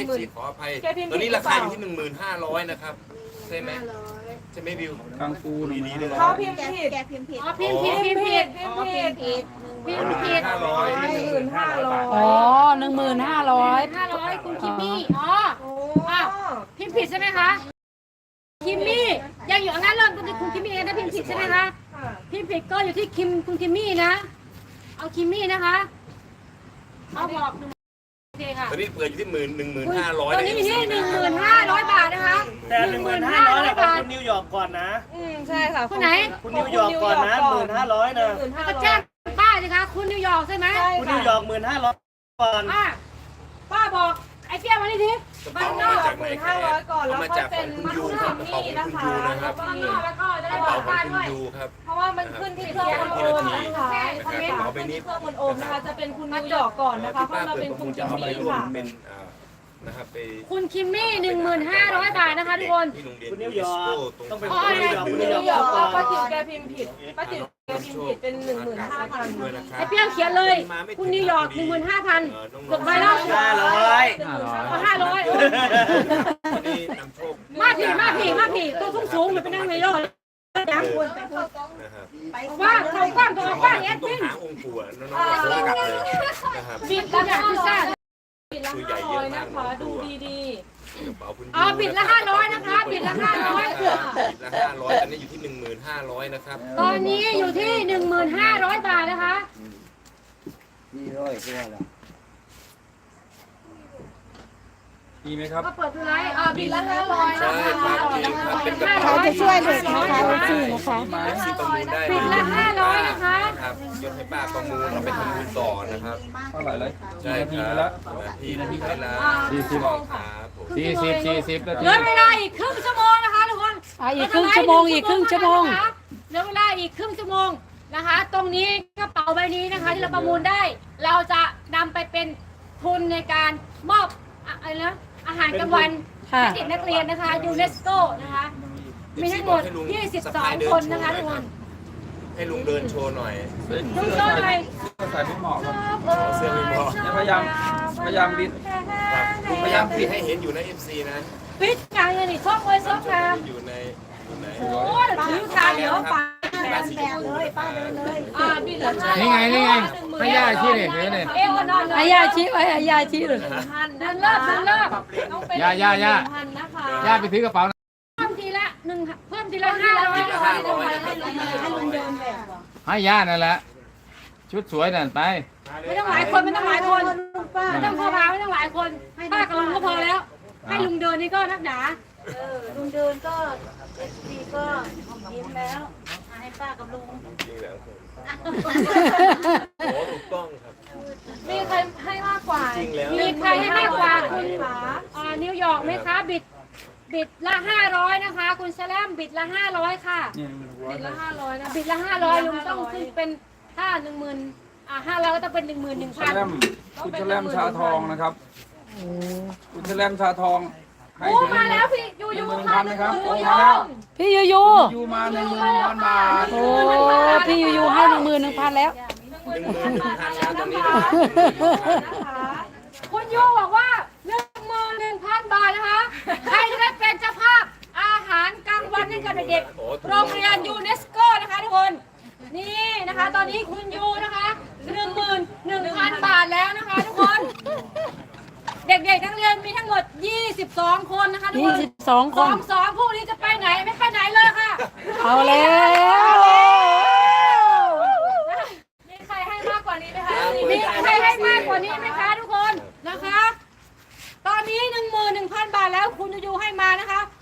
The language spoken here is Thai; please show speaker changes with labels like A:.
A: สิขออภัยตอนนี้ราคาอยู่ที่15,500นะครับใช่ไหมใช่ไหมบิวกังฟูดีๆเลย
B: เขาพิมพ์ผิดแกพิมพ์ผิด
C: พิมพ์ผิดพิมพ์ผิดพิมพ์ผิดพิมพ์ผิด
B: 15,500
D: อ๋อ15,500
C: คุณคิมมี่อ๋อพิมพ์ผิดใช่ไหมคะคิมมี่ยังอยู่งั้นเริ่มต้นที่คุณคิมมี่นะพิมพ์ผิดใช่ไหมคะพิมพ์ผิดก็อยู่ที่คุณคิมมี่นะเอาคิมมี่นะคะเอาบอกโอเคค่ะ
A: ตอนนี้เปิดอยู่ที่11,500
C: ตอนนี้อยู่ที่15,500 บาทนะคะ
E: แต่15,500ของคุณนิวยอร์กก่อนนะ
B: ใช่ค่ะ
C: คุณไหน
E: คุณนิวยอร์กก่อนนะ15,000นะ
C: ก็แจ้งป้าสิคะคุณนิวยอร์กใช่ไหม
E: คุณนิวยอร์ก15,000ก่อน
C: ป้าบอกไอ้เปี้ยมาดิที
A: บ้านนอกจาก
B: 15,000ก่อนแล้วก็เป็น
A: คุณยูครับกระเป๋าคุณยูนะครับ
C: บ้านนอกแล้วก็จะ
A: ก
C: ได้
A: ระ
C: บอ
A: เป๋าก ขอ
C: ป้าง
A: คุณ
C: ด้วย
A: ยูครับ
B: เพราะว่ามันขึ้นที่เครื่องมันโอมนะคะเครื่องมันโอมนะคะจะเป็นคุณนิวยอร์กก่อนนะคะเพราะเราเป็นคุณคิมมี่ค่ะ
A: เป็นนะครับไป
C: คุณคิมมี่15,500 บาทนะคะทุกคน
E: คุณนิวยอร์กต้องเป็น
B: คุณนิวยอร์กป้าติ๋วแกพิมพ์ผิดป้าติ๋วแกพิมพ์ผิดเป็น
C: ไอ้เปี้ยเขียนเลยคุณนิวยอร์ก15,000กดไปแล้ว500มาผีตัวสูงเหมือนเป็นนั่งในโลกยังว่างเขากว้างตัวกว้างแอดมิน
A: หาองค์ปู่น้องๆโฟกัสเลยนะครับ
C: บิดแล้วพิซซ่า
B: ปิดละ500นะคะดูดี
C: บิดละ500นะคะบิดละ500
A: บิดละ500ตอนนี้อยู่ที่15,500นะครับ
C: ตอนนี้อยู่ที่15,500 บาทนะคะ
F: มีไหมครับ
C: ก็เปิดดูไลฟ์บิดละ500
A: ใช่ครับเป็นกระเป๋า
D: เขาจะช่วยเด็กนะคะพี่นะคะ
A: ที่ประมูลได้
C: บิดละ500นะคะ
A: ครับยกให้ป้าประมูลเราไปทำบุญต่อนะครับ
F: เท่าไหร่เลย
A: ใช่ครับนาทีละ40ครับ
F: 40นาที
C: เหลือเวลาอีกครึ่งชั่วโมงนะคะทุกคน
D: อีกครึ่งชั่วโมงเห
C: ลือเวลาอีกครึ่งชั่วโมงนะคะ ตรงนี้กระเป๋าใบนี้นะคะที่เราประมูลได้ เราจะนำไปเป็นทุนในการมอบอะไรนะอาหารกลางวันให้เด็กนักเรียนนะคะยูเนสโกนะคะมีทั้งหมด22 คนนะคะทุกคน
A: ให้ลุงเดินโชว์หน่อย
C: ดูโซ่หน่อย
F: ใส่ไม่เหมาะครับ
A: เสื้อไม่พอ
F: พยายามบิด
A: พยายามปิดให้เห็นอยู่ใน FC นะ
C: ปิดกลางเลยนี่ซ่อมเลยซ่อมกลาง
A: อยู่ใน
C: โอ้ยถือการเดี๋ยวป้าบิดละ
F: นี่ไงให้ย่าชี้เนี่ยเห็นเนี่ย
C: เอวนอนเลย
D: ให้ยาชี้ไว้ให้ยาชี้เลย
C: เดินเลิก
F: ย่าไปถือกระเป๋า
C: เพิ่มทีละ500
F: ให้ย่านั่นแหละชุดสวยนั่นไป
C: ไม่ต้องหลายคนไม่ต้องพ่อพาไม่ต้องหลายคนป้ากับลุงก็พอแล้วให้ลุงเดินนี่ก็นักหนา
B: ลุงเดินก็ดีก็ยิ้มแล้วให้ป้ากับลุง
A: จริงแล้วโอ้ถูกต้องครับ
B: มีใครให้มากกว่า
A: จริงแล้ว
C: มีใครให้มากกว่าคุณนิวยอร์กไหมคะบิดละ500นะคะคุณแซลมบิดละ500ค่ะ
B: บิดละ500นะ
C: บิดละ500ลุงต้องขึ้นเป็นถ้า500ก็ต้องเป็น11,000
F: คุณแชลมชาทองนะครับคุณแชลมชาทองให้
C: โอ้มาแล้วพี่ยูค่ะ
F: นะครับ
D: พี่ยู
F: ยูมา11,000 บาท
D: โอ้พี่ยูให้11,000แล้ว
A: 11,000ตอนนี้
C: คุณยูบอกว่า11,000 บาทนะคะใครจะได้เป็นเจ้าภาพอาหารกลางวันให้กับเด็กๆโรงเรียนยูเนสโกนะคะทุกคนนี่นะคะตอนนี้คุณยูนะคะ11,000 บาทแล้วนะคะทุกคนเด็กๆทั้งเรียนมีทั้งหมด22 คนนะคะทุกคน
D: 22 คน
C: 2พวกนี้จะไปไหนไม่ไปไหนเลยค่ะ
D: เอาแล้ว
C: มีใครให้มากกว่านี้ไหมคะมีใครให้มากกว่านี้ไหมคะทุกคนนะคะตอนนี้11,000 บาทแล้วคุณยูให้มานะคะ